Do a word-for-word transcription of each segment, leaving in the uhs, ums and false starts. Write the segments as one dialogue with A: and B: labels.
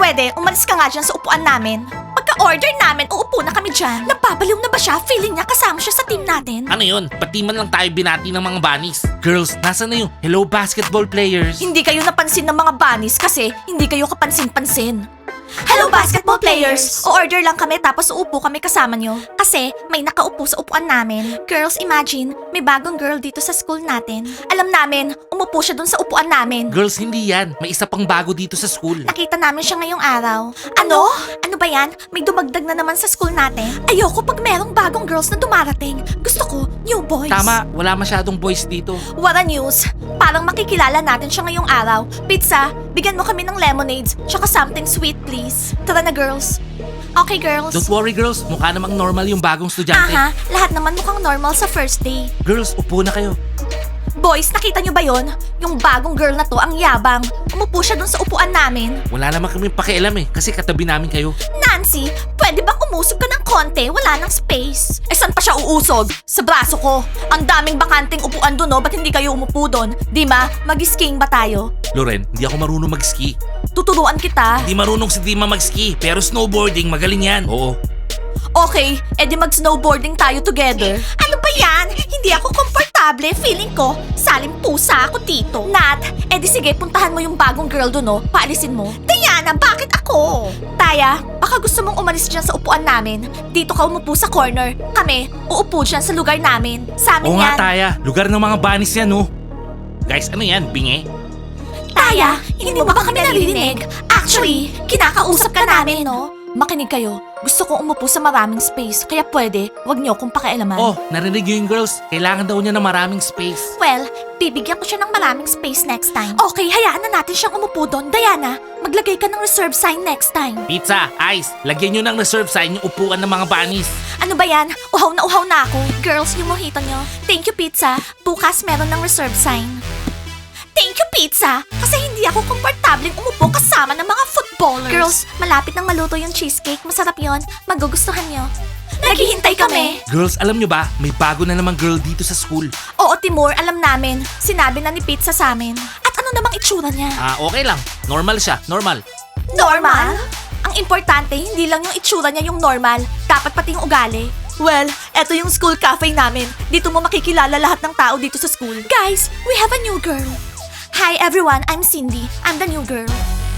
A: pwede, umalis ka nga dyan sa upuan namin. Pagka-order namin, uupo na kami dyan. Napapaliw na ba siya? Feeling niya kasama siya sa team natin.
B: Ano yun? Pati man lang tayo binati ng mga bunnies. Girls, nasa na yung hello basketball players?
A: Hindi kayo napansin ng mga bunnies kasi hindi kayo kapansin-pansin. Hello basketball players! O-order lang kami tapos uupo kami kasama nyo. Kasi may nakaupo sa upuan namin. Girls, imagine, may bagong girl dito sa school natin. Alam namin, umupo siya dun sa upuan namin.
B: Girls, hindi yan. May isa pang bago dito sa school.
A: Nakita namin siya ngayong araw. Ano? Ano ba yan? May dumagdag na naman sa school natin? Ayoko pag merong bagong girls na dumarating. Gusto ko, new boys.
B: Tama, wala masyadong boys dito.
A: What a news! Parang makikilala natin siya ngayong araw. Pizza, bigyan mo kami ng lemonades, tsaka something sweet please. Tara na girls. Okay girls.
B: Don't worry girls, mukha namang normal yung bagong estudyante.
A: Aha, lahat naman mukhang normal sa first day.
B: Girls, upo na kayo.
A: Boys, nakita nyo ba yon? Yung bagong girl na to, ang yabang. Umupo siya dun sa upuan namin.
B: Wala naman kami pakialam eh, kasi katabi namin kayo.
A: Nancy, pwede bang umusog ka ng konti? Wala nang space. Eh, saan pa siya uusog? Sa braso ko. Ang daming bakanting upuan dun, no? Ba't hindi kayo umupo dun? Di ba? Mag-skiing ba tayo?
B: Loren, hindi ako marunong mag-ski.
A: Tuturuan kita.
B: Hindi marunong si Dima mag-ski, pero snowboarding, magaling yan. Oo.
A: Okay, edi mag-snowboarding tayo together. Ano ba yan? Hindi ako komportable. Feeling ko, salim pusa ako dito. Nat, edi sige, puntahan mo yung bagong girl doon, no? Paalisin mo. Diana, bakit ako? Taya, baka gusto mong umalis dyan sa upuan namin. Dito ka umupo sa corner. Kami, uupo dyan sa lugar namin. Sa amin
B: Oo
A: yan.
B: nga, Taya. Lugar ng mga bunnies yan, no? Guys, ano yan? Bingi?
A: Taya, hindi mo ba kami naririnig? Actually, kinakausap ka namin, no? Makinig kayo. Gusto kong umupo sa maraming space, kaya pwede, wag niyo akong pakialaman.
B: Oh, narinig yun yung girls. Kailangan daw niya ng maraming space.
A: Well, bibigyan ko siya ng maraming space next time. Okay, hayaan na natin siyang umupo doon. Diana, maglagay ka ng reserve sign next time.
B: Pizza, ice, lagyan nyo ng reserve sign yung upuan ng mga bunnies.
A: Ano ba yan? Uhaw na uhaw na ako. Girls, yung mojito nyo. Thank you, Pizza. Bukas meron ng reserve sign. Thank you, Pizza! Kasi hindi ako komportabling umupo kasama ng mga footballers. Girls, malapit nang maluto yung cheesecake. Masarap yon. Magugustuhan nyo. Naghihintay kami.
B: Girls, alam nyo ba, may bago na namang girl dito sa school.
A: Oo, Timur, alam namin. Sinabi na ni Pizza sa amin. At ano namang itsura niya?
B: Ah, okay lang. Normal siya, normal.
A: Normal? Ang importante, hindi lang yung itsura niya yung normal. Dapat pati yung ugali. Well, eto yung school cafe namin. Dito mo makikilala lahat ng tao dito sa school. Guys, we have a new girl. Hi everyone, I'm Cindy. I'm the new girl.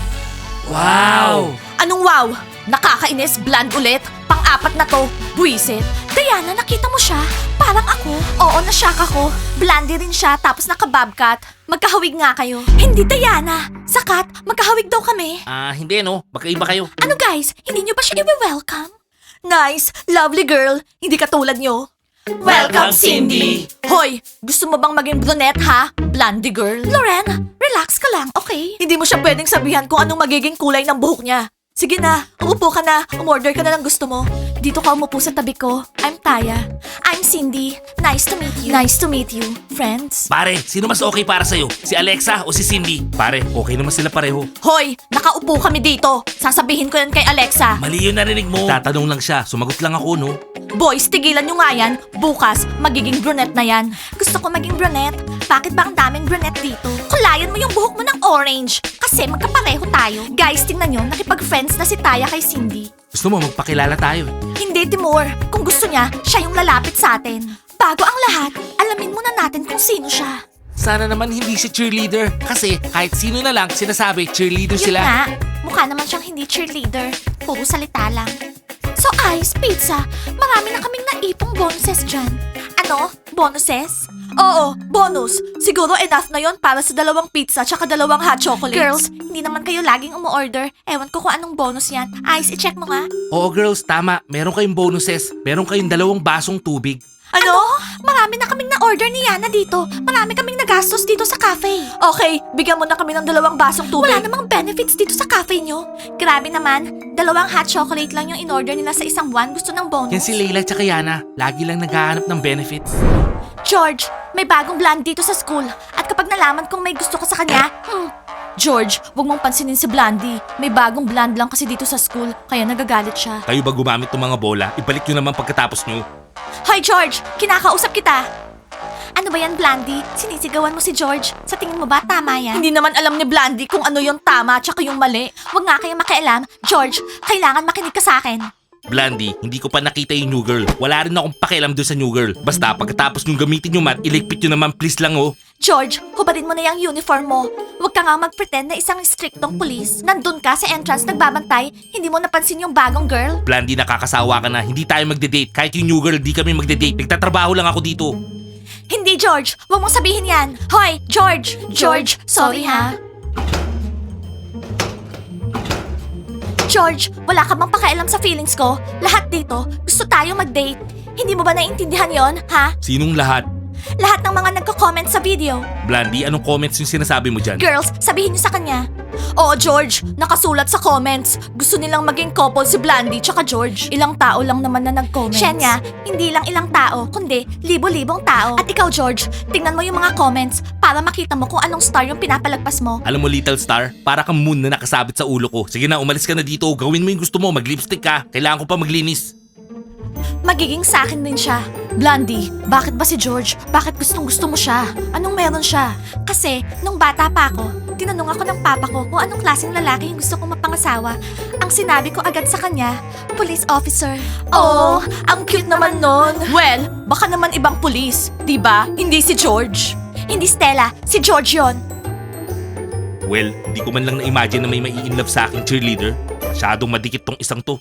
B: Wow!
A: Anong wow? Nakakainis, bland ulit. Pang-apat na to, buwisit. Diana, nakita mo siya? Parang ako. Oo, nashock ako. Blondie rin siya, tapos naka-bobcat. Magkahawig nga kayo. Hindi, Diana. Sakat, magkahawig daw kami.
B: Ah, hindi no. Magkaiba kayo.
A: Ano guys, hindi nyo ba siya i-welcome? Nice, lovely girl. Hindi katulad nyo.
B: Welcome, Cindy.
A: Hoy, gusto mo bang maging brunette ha? Blondie girl. Loren, relax ka lang, okay? Hindi mo siya pwedeng sabihan kung anong magiging kulay ng buhok niya. Sige na, umupo ka na. Umorder ka na ng gusto mo. Dito ka umupo sa tabi ko. I'm Taya. I'm Cindy. Nice to meet you. Nice to meet you, friends.
B: Pare, sino mas okay para sa'yo? Si Alexa o si Cindy? Pare, okay naman sila pareho.
A: Hoy, nakaupo kami dito. Sasabihin ko yan kay Alexa.
B: Mali yung narinig mo. Tatanong lang siya, sumagot lang ako no.
A: Boys, tigilan nyo nga yan. Bukas, magiging brunette na yan. Gusto ko maging brunette. Bakit ba ang daming brunette dito? Kulayan mo yung buhok mo ng orange. Kasi magkapareho tayo. Guys, tingnan nyo, nakipag-friends na si Taya kay Cindy.
B: Gusto mo magpakilala tayo?
A: Hindi, Timur. Kung gusto niya, siya yung lalapit sa atin. Bago ang lahat, alamin muna natin kung sino siya.
B: Sana naman hindi si cheerleader. Kasi kahit sino na lang sinasabi cheerleader
A: Yun
B: sila.
A: nga, mukha naman siyang hindi cheerleader. Puro salita lang. So, Ice, Pizza, marami na kaming naipong bonuses dyan. Ano? Bonuses? Oo, bonus. Siguro enough na yon para sa dalawang pizza tsaka dalawang hot chocolates. Girls, hindi naman kayo laging umu-order. Ewan ko kung anong bonus yan. Ice, i-check mo nga.
B: Oo girls, tama. Meron kayong bonuses. Meron kayong dalawang basong tubig.
A: Ano? Marami na kaming na-order ni Yana dito. Marami kaming nagastos dito sa cafe. Okay, bigyan mo na kami ng dalawang basong tubig. Wala namang benefits dito sa cafe nyo. Grabe naman, dalawang hot chocolate lang yung in-order nila sa isang buwan. Gusto ng bonus.
B: Yan si Layla tsaka Yana. Lagi lang naghahanap ng benefits.
A: George, may bagong blonde dito sa school. At kapag nalaman kong may gusto ka sa kanya, hmm. George, wag mong pansinin si Blondie. May bagong blonde lang kasi dito sa school, kaya nagagalit siya.
B: Kayo ba gumamit ng mga bola? Ibalik nyo naman pagkatapos nyo.
A: Hoy George, kinakausap kita. Ano ba yan, Blandy? Sinisigawan mo si George? Sa tingin mo ba tama yan? Hindi naman alam ni Blandy kung ano yung tama tsaka yung mali. Huwag nga kayong makialam. George, kailangan makinig ka sa akin.
B: Blandy, hindi ko pa nakita yung new girl. Wala rin akong pakialam doon sa new girl. Basta pagkatapos nyo gamitin yung mat, iligpit nyo naman please lang oh.
A: George, hubarin mo na yung uniform mo. Huwag ka nga mag-pretend na isang striktong pulis. Nandun ka sa entrance nagbabantay, hindi mo napansin yung bagong girl.
B: Blandy, nakakasawa ka na. Hindi tayo magde-date. Kahit yung new girl, di kami magde-date. Nagtatrabaho lang ako dito.
A: Hindi, George. Huwag mong sabihin yan. Hoy, George! George, sorry ha. George, wala ka bang pakialam sa feelings ko? Lahat dito, gusto tayo mag-date. Hindi mo ba naiintindihan yon, ha?
B: Sinong lahat?
A: Lahat ng mga nagko-comment sa video.
B: Blandy, anong comments yung sinasabi mo dyan?
A: Girls, sabihin niyo sa kanya. Oo, George, nakasulat sa comments. Gusto nilang maging couple si Blandy tsaka George. Ilang tao lang naman na nag-comments. Shenya, hindi lang ilang tao, kundi libo-libong tao. At ikaw, George, tingnan mo yung mga comments para makita mo kung anong star yung pinapalagpas mo.
B: Alam mo, Little Star, para kang moon na nakasabit sa ulo ko. Sige na, umalis ka na dito. Gawin mo yung gusto mo. Mag-lipstick ka. Kailangan ko pa maglinis.
A: Magiging sa akin din siya. Blondie, bakit ba si George? Bakit gustong gusto mo siya? Anong meron siya? Kasi, nung bata pa ako, tinanong ako ng papa ko kung anong klaseng lalaki yung gusto kong mapangasawa. Ang sinabi ko agad sa kanya, police officer. Oh, ang cute naman nun. Well, baka naman ibang police, di ba? Hindi si George. Hindi Stella, si George yon.
B: Well, hindi ko man lang na-imagine na may mai-inlove sa aking cheerleader. Masyadong madikit tong isang to.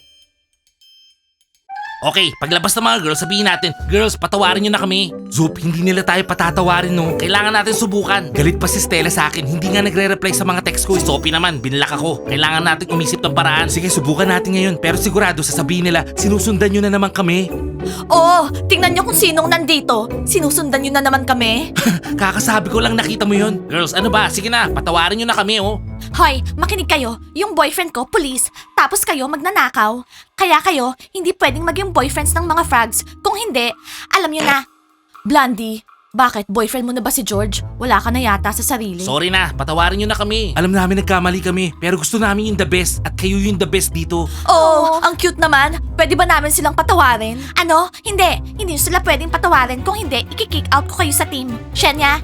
B: Okay, paglabas ng mga girls, sabihin natin, girls, patawarin nyo na kami. Zoop, hindi nila tayo patatawarin no. Kailangan natin subukan. Galit pa si Stella sa akin, hindi nga nagre-reply sa mga text ko. Sophie naman, binlak ako. Kailangan natin umisip ng paraan. Sige, subukan natin ngayon. Pero sigurado, sasabihin nila, sinusundan nyo na naman kami.
A: Oo, tingnan nyo kung sinong nandito. Sinusundan nyo na naman kami.
B: Kakasabi ko lang nakita mo yun. Girls, ano ba? Sige na, patawarin nyo na kami oh.
A: Hoy, makinig kayo. Yung boyfriend ko, police. Tapos kayo magnanakaw. Kaya kayo, hindi pwedeng maging boyfriends ng mga frogs. Kung hindi, alam nyo na. Blondie, bakit? Boyfriend mo na ba si George? Wala ka na yata sa sarili.
B: Sorry na, patawarin nyo na kami. Alam namin nagkamali kami, pero gusto namin yung the best at kayo yung the best dito.
A: Oh, ang cute naman. Pwede ba namin silang patawarin? Ano? Hindi. Hindi sila pwedeng patawarin. Kung hindi, i-kick out ko kayo sa team. Shenya?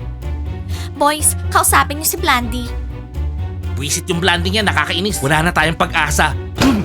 A: Boys, kausapin niyo si Blondie.
B: Buisit yung blanding yan, nakakainis. Wala na tayong pag-asa.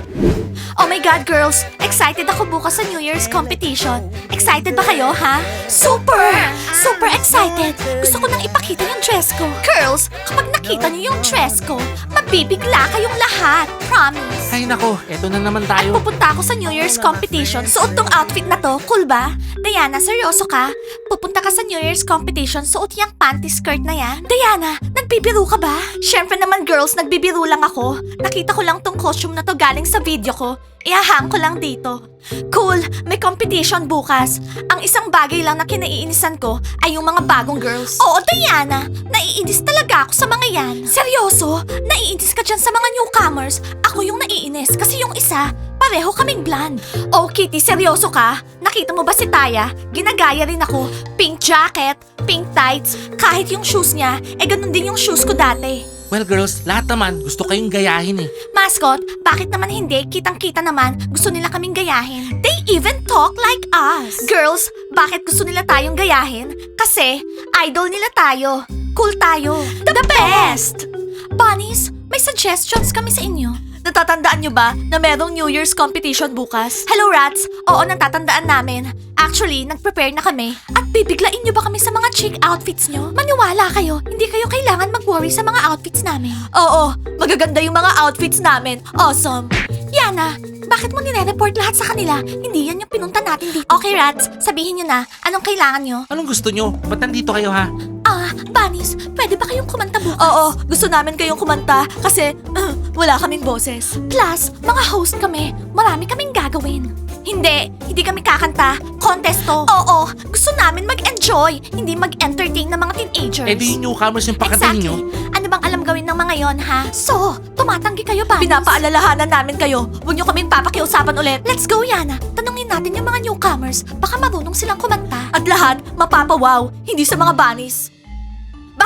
A: Oh my God, girls! Excited ako bukas sa New Year's competition. Excited ba kayo, ha? Super! Super excited! Gusto ko nang ipakita yung dress ko. Girls, kapag nakita niyo yung dress ko, mabibigla kayong lahat. Promise.
B: Ay nako, eto na naman
A: At
B: tayo.
A: pupunta ako sa New Year's competition. Suot tong outfit na to. Cool ba? Diana, seryoso ka? Pupunta ka sa New Year's competition, suot yung panty skirt na yan? Diana, nagbibiro ka ba? Siyempre naman girls, nagbibiro lang ako. Nakita ko lang tong costume na to galing sa video ko. Ihahang ko lang dito. Cool, may competition bukas. Ang isang bagay lang na kinaiinisan ko ay yung mga bagong girls. Oo, Diana, naiinis talaga ako sa mga yan. Seryoso? Naiinis ka dyan sa mga newcomers? Ako yung naiinis kasi yung isa, pareho kaming blonde. Oh, Kitty, seryoso ka? Nakita mo ba si Taya? Ginagaya rin ako. Pink jacket, pink tights, kahit yung shoes niya, eh ganun din yung shoes ko dati.
B: Well girls, lahat naman gusto kayong gayahin eh.
A: Mascot, bakit naman hindi? Kitang-kita naman, gusto nila kaming gayahin. They even talk like us. Girls, bakit gusto nila tayong gayahin? Kasi, idol nila tayo. Cool tayo. The, best! Bunnies, may suggestions kami sa inyo. Natatandaan nyo ba na merong New Year's competition bukas? Hello, Rats! Oo, natatandaan namin. Actually, nag-prepare na kami. At bibiglain nyo ba kami sa mga chic outfits nyo? Maniwala kayo, hindi kayo kailangan mag-worry sa mga outfits namin. Oo, magaganda yung mga outfits namin. Awesome! Yana, bakit mo nire-report lahat sa kanila? Hindi yan yung pinunta natin dito. Okay, Rats, sabihin nyo na, anong kailangan nyo?
B: Anong gusto nyo? Ba't nandito kayo ha?
A: Ah, Bunnies, pwede ba kayong kumanta bukas? Oo, gusto namin kayong kumanta kasi uh, wala kaming boses. Plus, mga host kami, marami kaming gagawin. Hindi, hindi kami kakanta. Contest to. Oo, gusto namin mag-enjoy, hindi mag-entertain ng mga teenagers.
B: Eh di yung newcomers yung pakatayin nyo.
A: Ano bang alam gawin ng mga yon, ha? So, tumatanggi kayo ba? Pinapaalalahanan namin kayo. Huwag niyo kaming papakiusapan ulit. Let's go, Yana. Tanungin natin yung mga newcomers. Baka marunong silang kumanta. At lahat, mapapawaw. Hindi sa mga bunnies.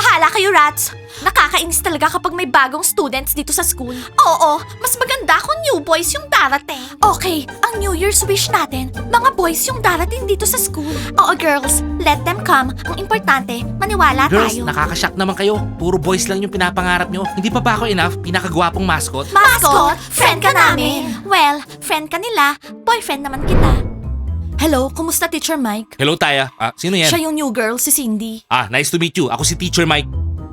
A: Bahala kayo, rats! Nakakainis talaga kapag may bagong students dito sa school. Oo, mas maganda kung new boys yung darating. Okay, ang New Year's wish natin, mga boys yung darating dito sa school. Oo, girls, let them come. Ang importante, maniwala
B: Girls,
A: tayo.
B: nakakashock naman kayo. Puro boys lang yung pinapangarap nyo. Hindi pa ba ako enough? Pinakagwapong mascot?
A: Mascot, friend ka namin. Well, friend ka nila, boyfriend naman kita. Hello, kumusta Teacher Mike?
B: Hello, Taya. Ah, sino yan?
A: Siya yung new girl, si Cindy.
B: Ah, nice to meet you. Ako si Teacher Mike.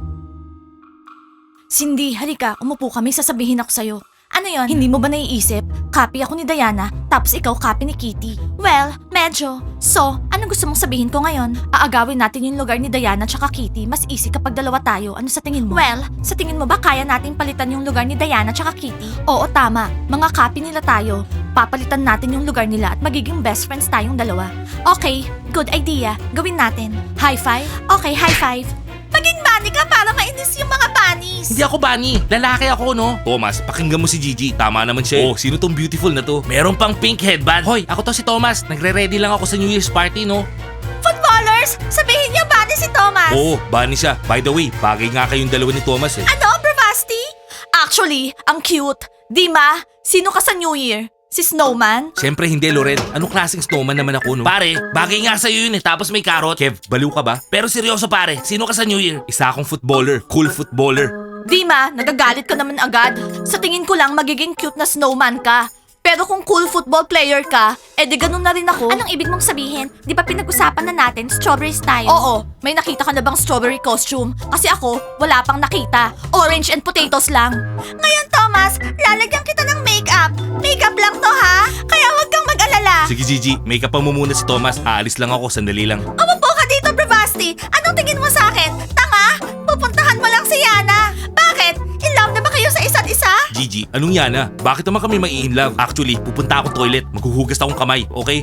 A: Cindy, halika, umupo kami, sasabihin ako sa'yo. Ano yon? Hindi mo ba naiisip? Copy ako ni Diana, tapos ikaw copy ni Kitty. Well, medyo. So, ano gusto mong sabihin ko ngayon? Aagawin natin yung lugar ni Diana tsaka Kitty. Mas easy kapag dalawa tayo. Ano sa tingin mo? Well, sa tingin mo ba kaya nating palitan yung lugar ni Diana tsaka Kitty? Oo, tama. Mga copy nila tayo. Papalitan natin yung lugar nila at magiging best friends tayong dalawa. Okay, good idea. Gawin natin. High five? Okay, high five. Maging bunny ka para mainis yung mga bunnies.
B: Hindi ako bunny. Lalaki ako, no? Thomas, pakinggan mo si Gigi. Tama naman siya. Oh, sino tong beautiful na to? Meron pang pink headband. Hoy, ako to si Thomas. Nagre-ready lang ako sa New Year's party, no?
A: Footballers, sabihin niyo bunny si Thomas.
B: Oo, bunny siya. By the way, bagay nga kayong dalawa ni Thomas eh.
A: Ano, Bravasti? Actually, ang cute. Di ma? Sino ka sa New Year? Si Snowman?
B: Siyempre hindi, Loren. Anong klaseng snowman naman ako, no? Pare, bagay nga sa'yo yun eh. Tapos may carrot. Kev, baliw ka ba? Pero seryoso pare, sino ka sa New Year? Isa akong footballer. Cool footballer.
A: Di ma, nagagalit ka naman agad. Sa tingin ko lang magiging cute na snowman ka. Pero kung cool football player ka, edi ganun na rin ako. Anong ibig mong sabihin? Di ba pinag-usapan na natin strawberries tayo? Oo, may nakita ka na bang strawberry costume? Kasi ako, wala pang nakita. Orange and potatoes lang. Ngayon, Thomas, lalagyan kita ng makeup. Makeup lang to, ha? Kaya huwag kang mag-alala.
B: Sige Gigi, make up pa mo muna si Thomas. Aalis lang ako, sandali lang.
A: Umupo ka dito, Bravasti. Anong tingin mo sa akin? Tanga? Pupuntahan mo lang si Yana. Bakit? In love na ba kayo sa isa't isa?
B: Gigi, anong yan ah? Bakit naman kami mai in love? Actually, pupunta ako toilet. Maghuhugas akong kamay, okay?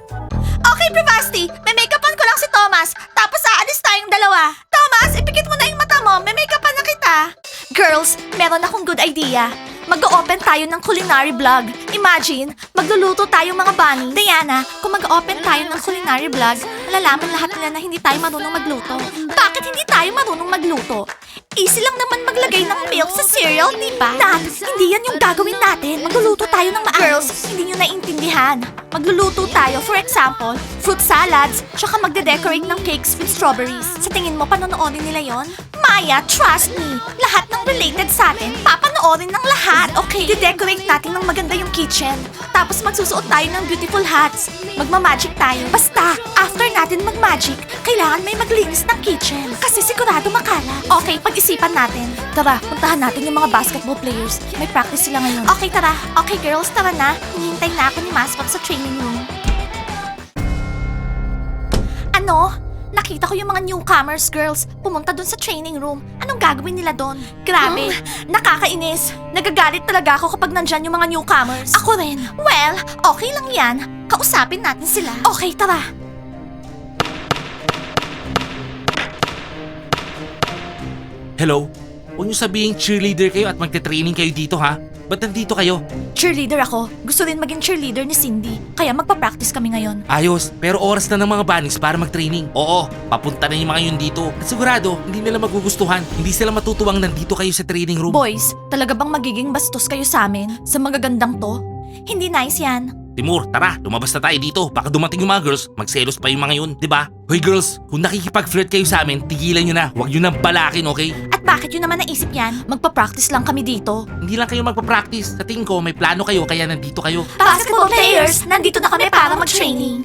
A: Okay, Bravasti. May make-upan ko lang si Thomas. Tapos aalis tayong dalawa. Thomas, ipikit mo na yung mata mo. May make-upan na kita. Girls, meron akong good idea. Mag-open tayo ng culinary vlog. Imagine, magluluto tayo mga bunny. Diana, kung mag-open tayo ng culinary vlog, malalaman lahat nila na hindi tayo marunong magluto. Bakit hindi tayo marunong magluto? Easy lang naman maglagay ng milk sa cereal, di ba? Nat, hindi yan yung gagawin natin. Magluluto tayo ng maayos. Girls, hindi nyo naiintindihan. Magluluto tayo, for example, fruit salads, tsaka magde-decorate ng cakes with strawberries. Sa tingin mo, panonoorin nila yon? Maya, trust me. Lahat ng related sa atin, papanoorin ng lahat, okay? De-decorate natin ng maganda yung kitchen. Tapos magsusuot tayo ng beautiful hats. Magmamagic tayo. Basta, after natin magmagic, kailangan may maglinis ng kitchen. Kasi sigurado makala. Okay, pag-isipan natin. Tara, puntahan natin yung mga basketball players. May practice sila ngayon. Okay, tara. Okay, girls, tara na. Hinihintay na ako ni Mascot sa training room. Ano? Nakita ko yung mga newcomers, girls. Pumunta dun sa training room. Anong gagawin nila dun? Grabe, nakakainis. Nagagalit talaga ako kapag nandyan yung mga newcomers. Ako rin. Well, okay lang yan. Kausapin natin sila. Okay, tara.
B: Hello? Huwag niyo sabihin cheerleader kayo at magte-training kayo dito ha? Ba't nandito kayo?
A: Cheerleader ako. Gusto rin maging cheerleader ni Cindy. Kaya magpa-practice kami ngayon.
B: Ayos, pero oras na ng mga bunnies para mag-training. Oo, papunta na yung mga yun dito. At sigurado, hindi nila magugustuhan. Hindi sila matutuwang nandito kayo sa training room.
A: Boys, talaga bang magiging bastos kayo sa amin? Sa magagandang to? Hindi nice yan.
B: Timur, tara, lumabas na tayo dito. Baka dumating yung mga girls, magselos pa yung mga yun, di ba? Hoy girls, kung nakikipag-flirt kayo sa amin, tigilan nyo na. Huwag nyo nang balakin, okay?
A: At bakit yun naman naisip yan? Magpa-practice lang kami dito.
B: Hindi lang kayo magpa-practice. Sa tingin ko, may plano kayo kaya nandito kayo.
A: Basketball players, nandito na kami para mag-training.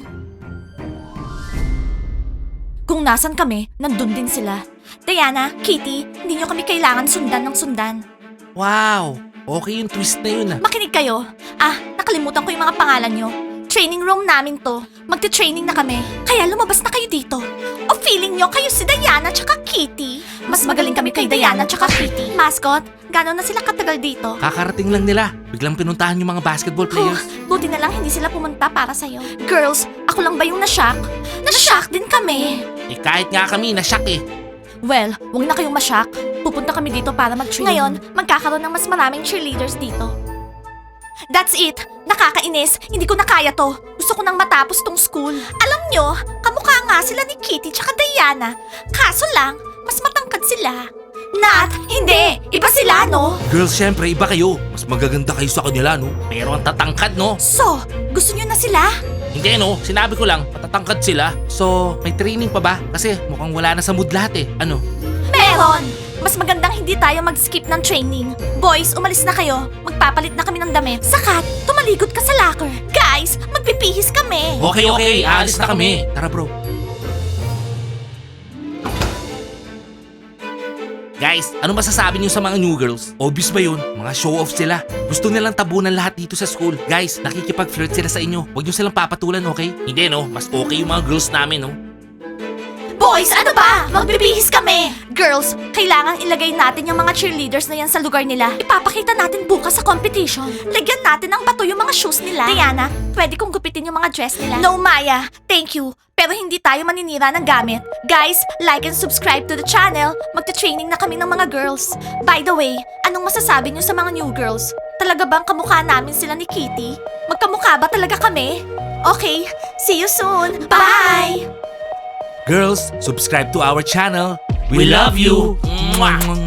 A: Kung nasan kami, nandun din sila. Diana, Kitty, hindi nyo kami kailangan sundan ng sundan.
B: Wow! Okay yung twist na yun ah.
A: Makinig kayo. Ah, nakalimutan ko yung mga pangalan nyo. Training room namin to. Magte-training na kami. Kaya lumabas na kayo dito. O feeling nyo kayo si Diana tsaka Kitty? Mas magaling kami kay Diana tsaka Kitty. Mascot, gano'n na sila katagal dito?
B: Kakarating lang nila. Biglang pinuntahan yung mga basketball players.
A: Oh, buti na lang hindi sila pumunta para sa'yo. Girls, ako lang ba yung nashock? Nashock din kami.
B: Eh kahit nga kami, nasyak eh.
A: Well, huwag na kayong mashock. Pupunta kami dito para mag-training. Ngayon, magkakaroon ng mas maraming cheerleaders dito. That's it! Nakakainis! Hindi ko na kaya to. Gusto ko nang matapos tong school. Alam nyo, kamukha nga sila ni Kitty tsaka Diana. Kaso lang, mas matangkad matatangkad sila. Nat, hindi! Iba sila, no?
B: Girls, syempre, iba kayo. Mas magaganda kayo sa kanila, no? Pero ang tatangkad, no?
A: So, gusto nyo na sila?
B: Hindi, no? Sinabi ko lang, matatangkad sila. So, may training pa ba? Kasi mukhang wala na sa mood lahat eh. Ano?
A: Meron! Mas magandang hindi tayo mag-skip ng training. Boys, umalis na kayo. Magpapalit na kami ng damit. Sakat, tumaligot ka sa locker. Guys, magpipihis kami.
B: Okay, okay. Aalis na kami. Tara, bro. Guys, ano masasabi niyo sa mga new girls? Obvious ba yun? Mga show-off sila. Gusto nilang tabunan lahat dito sa school. Guys, nakikipag-flirt sila sa inyo. Huwag niyo silang papatulan, okay? Hindi, no? Mas okay yung mga girls namin, no?
A: Boys, ano ba? Magbibihis kami! Girls, kailangan ilagay natin yung mga cheerleaders na yan sa lugar nila. Ipapakita natin bukas sa competition. Lagyan natin ng bato yung mga shoes nila. Diana, pwede kong gupitin yung mga dress nila. No, Maya. Thank you. Pero hindi tayo maninira ng gamit. Guys, like and subscribe to the channel. Magta-training na kami ng mga girls. By the way, anong masasabi niyo sa mga new girls? Talaga bang kamukha namin sila ni Kitty? Magkamukha ba talaga kami? Okay, see you soon. Bye!
B: Girls, subscribe to our channel. We, love you. Mwah!